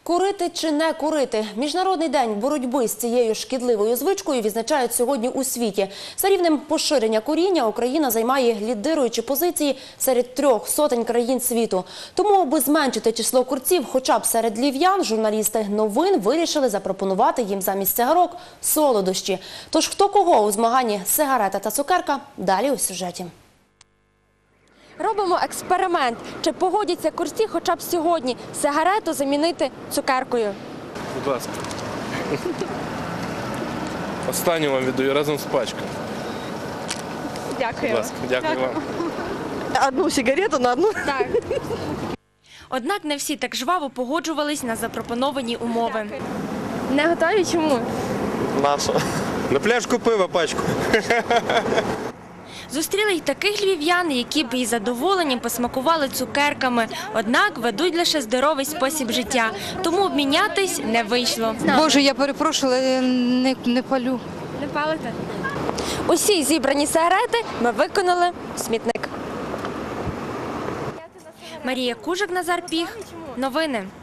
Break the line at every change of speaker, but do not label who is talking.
Курити чи не курити? Міжнародний день боротьби з цією шкідливою звичкою відзначають сьогодні у світі. За рівнем поширення куріння Україна займає лідируючі позиції серед 300 країн світу. Тому, аби зменшити число курців хоча б серед львів'ян, журналісти новин вирішили запропонувати їм замість цигарок солодощі. Тож хто кого у змаганні сигарета та цукерка – далі у сюжеті.
Робимо експеримент. Чи погодяться курці хоча б сьогодні сигарету замінити цукеркою?
Будь ласка. Останню вам віддаю разом з пачкою.
Дякую.
Будь ласка, дякую вам.
Одну сигарету на одну.
Так. Однак не всі так жваво погоджувались на запропоновані умови. Не готові? Чому?
Наша. На пляшку пива пачку.
Зустріли й таких львів'ян, які б із задоволенням посмакували цукерками. Однак ведуть лише здоровий спосіб життя. Тому обмінятись не вийшло.
Боже, я перепрошую, але не палю.
Не палите? Усі зібрані сигарети ми викинули в смітник. Марія Кужик, Назар Піх. Новини.